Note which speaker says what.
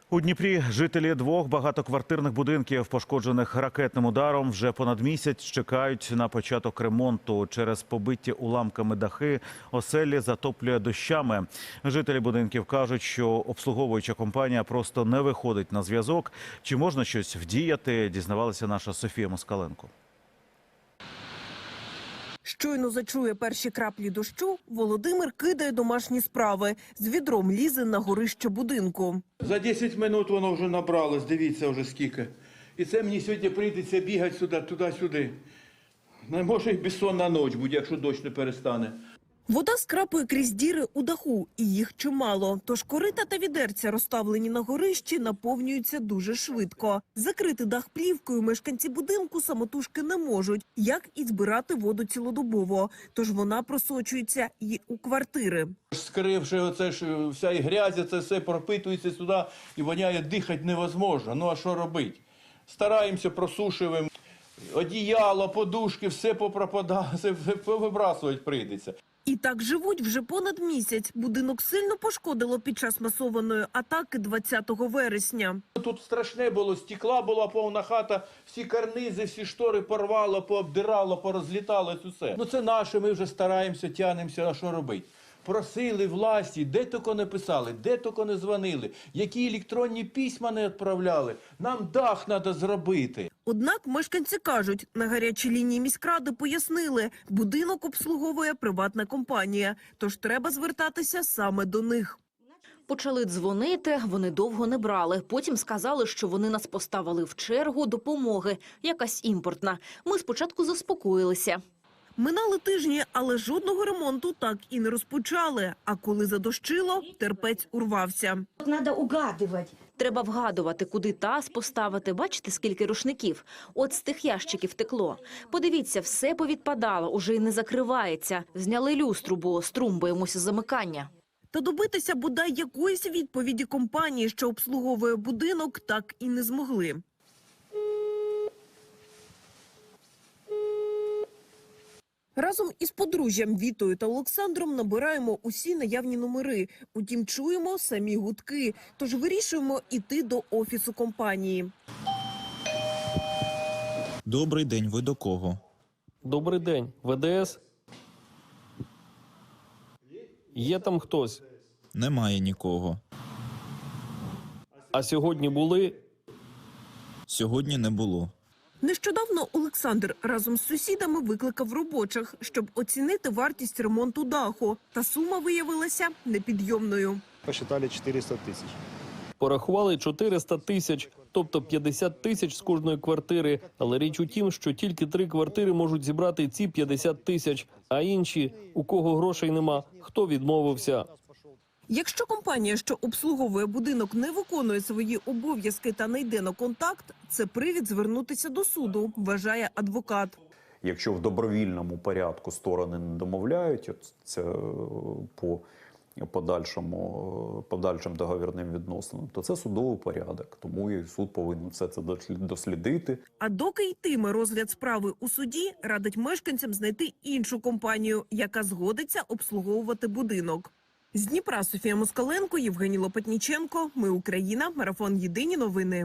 Speaker 1: У Дніпрі жителі двох багатоквартирних будинків, пошкоджених ракетним ударом, вже понад місяць чекають на початок ремонту. Через побиті уламками дахи оселі затоплює дощами. Жителі будинків кажуть, що обслуговуюча компанія просто не виходить на зв'язок. Чи можна щось вдіяти, дізнавалася наша Софія Москаленко.
Speaker 2: Щойно зачує перші краплі дощу, Володимир кидає домашні справи. З відром лізе на горище будинку.
Speaker 3: За 10 минут воно вже набралось, дивіться вже скільки. І це мені сьогодні прийдеться бігати сюди, туди-сюди. Не може і безсонна ніч буде, якщо дощ не перестане.
Speaker 2: Вода скрапує крізь діри у даху, і їх чимало. Тож корита та відерця, розставлені на горищі, наповнюються дуже швидко. Закрити дах плівкою мешканці будинку самотужки не можуть, як і збирати воду цілодобово. Тож вона просочується і у квартири.
Speaker 3: Скривши оце ж вся і грязь, це все пропитується сюди і воняє, дихати невозможно. Ну а що робити? Стараємося, просушуємо. Одіяло, подушки, все попропадає, все повибрасувати прийдеться.
Speaker 2: І так живуть вже понад місяць. Будинок сильно пошкодило під час масованої атаки 20 вересня.
Speaker 3: Тут страшне було, стекла була повна хата, всі карнизи, всі штори порвало, пообдирало, порозліталось усе. Ну це наше, ми вже стараємося, тянемося, а що робити? Просили власті, де тільки не писали, де тільки не дзвонили, які електронні письма не відправляли. Нам дах треба зробити.
Speaker 2: Однак мешканці кажуть, на гарячій лінії міськради пояснили, будинок обслуговує приватна компанія, тож треба звертатися саме до них.
Speaker 4: Почали дзвонити, вони довго не брали. Потім сказали, що вони нас поставили в чергу допомоги, якась імпортна. Ми спочатку заспокоїлися.
Speaker 2: Минали тижні, але жодного ремонту так і не розпочали. А коли задощило, терпець урвався.
Speaker 5: Треба угадувати.
Speaker 4: Треба вгадувати, куди таз поставити. Бачите, скільки рушників? От з тих ящиків текло. Подивіться, все повідпадало, уже й не закривається. Зняли люстру, бо струм боїмося замикання.
Speaker 2: Та добитися бодай якоїсь відповіді компанії, що обслуговує будинок, так і не змогли. Разом із подружжям Вітою та Олександром набираємо усі наявні номери. Утім, чуємо самі гудки, тож вирішуємо іти до офісу компанії.
Speaker 6: Добрий день, ви до кого?
Speaker 7: Добрий день, ВДС? Є там хтось?
Speaker 6: Немає нікого.
Speaker 7: А сьогодні були?
Speaker 6: Сьогодні не було.
Speaker 2: Нещодавно Олександр разом з сусідами викликав робочих, щоб оцінити вартість ремонту даху. Та сума виявилася непідйомною.
Speaker 8: Посчитали 400 тисяч.
Speaker 7: Порахували 400 тисяч, тобто 50 тисяч з кожної квартири. Але річ у тім, що тільки 3 квартири можуть зібрати ці 50 тисяч, а інші, у кого грошей нема, хто відмовився.
Speaker 2: Якщо компанія, що обслуговує будинок, не виконує свої обов'язки та не йде на контакт, це привід звернутися до суду, вважає адвокат.
Speaker 9: Якщо в добровільному порядку сторони не домовляють, це по подальшим договірним відносинам, то це судовий порядок. Тому і суд повинен все це дослідити.
Speaker 2: А доки йтиме розгляд справи у суді, радить мешканцям знайти іншу компанію, яка згодиться обслуговувати будинок. З Дніпра Софія Москаленко, Євгеній Лопатніченко. Ми Україна. Марафон. Єдині новини.